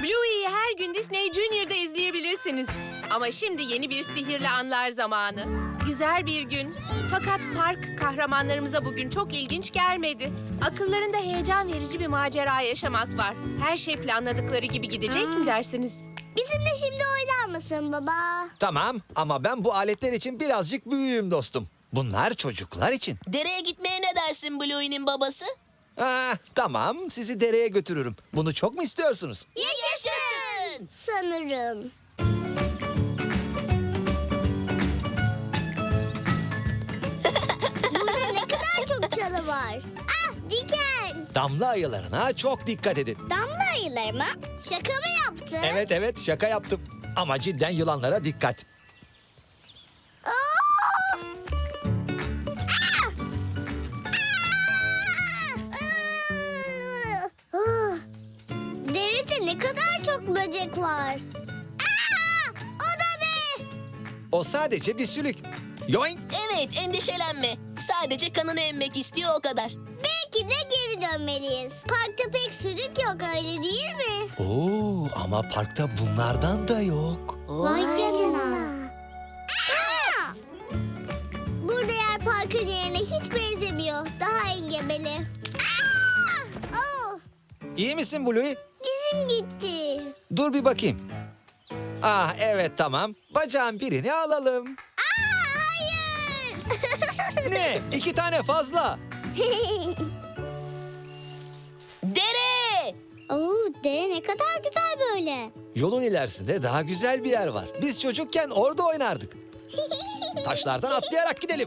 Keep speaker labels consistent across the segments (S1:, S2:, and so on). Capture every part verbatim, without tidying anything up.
S1: Bluey'i her gün Disney Junior'da izleyebilirsiniz. Ama şimdi yeni bir sihirli anlar zamanı. Güzel bir gün. Fakat park kahramanlarımıza bugün çok ilginç gelmedi. Akıllarında heyecan verici bir macera yaşamak var. Her şey planladıkları gibi gidecek mi dersiniz?
S2: Bizimle şimdi oynar mısın baba?
S3: Tamam ama ben bu aletler için birazcık büyüğüm dostum. Bunlar çocuklar için.
S4: Dereye gitmeye ne dersin Bluey'nin babası?
S3: Ah, tamam, sizi dereye götürürüm. Bunu çok mu istiyorsunuz?
S4: Yaşasın!
S2: Sanırım. Burada ne kadar çok çalı var. Ah, diken.
S3: Damla ayılarına çok dikkat edin.
S2: Damla ayıları mı? Şaka mı yaptın?
S3: Evet evet, şaka yaptım. Ama cidden yılanlara dikkat.
S2: Aa! Ah! Ah! Ah! Derede ne kadar çok böcek var. Aa! O da ne?
S3: O sadece bir sülük. Yoink!
S4: Evet, endişelenme. Sadece kanını emmek istiyor o kadar.
S2: Belki de geri dönmeliyiz. Parkta pek sürük yok, öyle değil mi?
S3: Oo, ama parkta bunlardan da yok.
S2: Vay canına. Aa! Burada yer parkın yerine hiç benzemiyor. Daha engebeli. Aa! Oh!
S3: İyi misin Bluey?
S2: Dizim gitti.
S3: Dur bir bakayım. Ah evet, tamam. Bacağın birini alalım.
S2: Aa, hayır.
S3: Ne? İki tane fazla.
S4: Dere!
S2: Oo, dere ne kadar güzel böyle.
S3: Yolun ilerisinde daha güzel bir yer var. Biz çocukken orada oynardık. Taşlardan atlayarak gidelim.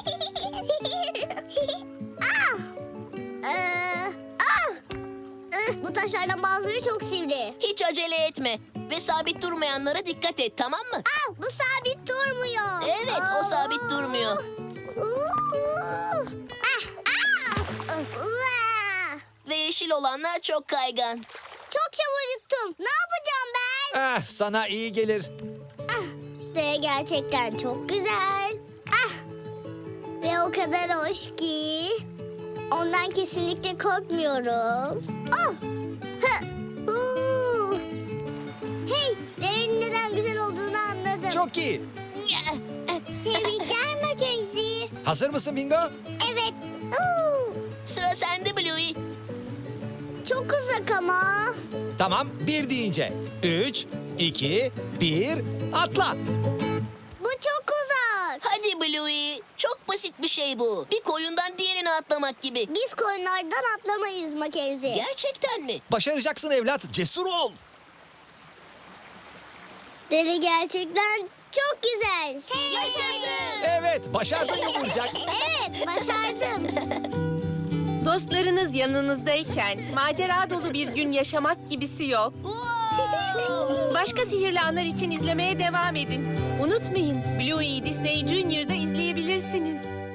S2: ah! Ee, ah! Ih, bu taşlardan bazıları çok sivri.
S4: Hiç acele etme. Ve sabit durmayanlara dikkat et, tamam mı?
S2: Ah, bu sabit durmuyor.
S4: Evet, o sabit durmuyor.
S2: Uuu. Ah, ah! Uaa!
S4: Ve yeşil olanlar çok kaygan.
S2: Çok çabuk yuttum. Ne yapacağım ben?
S3: Ah, sana iyi gelir.
S2: De gerçekten çok güzel. Ah! Ve o kadar hoş ki. Ondan kesinlikle korkmuyorum. Oh! Hı! Huu! Hey, derenin neden güzel olduğunu anladım.
S3: Çok iyi.
S2: Tebrikler Mackenzie.
S3: Hazır mısın Bingo?
S2: Evet. Huu!
S4: Sıra sende Bluey.
S2: Çok uzak ama.
S3: Tamam, bir deyince. Üç, iki, bir, atla.
S2: Bu çok uzak.
S4: Hadi Bluey. Çok basit bir şey bu. Bir koyundan diğerine atlamak gibi.
S2: Biz koyunlardan atlamayız Mackenzie.
S4: Gerçekten mi?
S3: Başaracaksın evlat, cesur ol.
S2: Dere gerçekten çok güzel.
S4: Yaşasın!
S3: Evet, başardın yumurcak.
S2: Evet, başardım.
S1: Dostlarınız yanınızdayken macera dolu bir gün yaşamak gibisi yok. Başka sihirli anlar için izlemeye devam edin. Unutmayın, Bluey'i Disney Junior'da izleyebilirsiniz.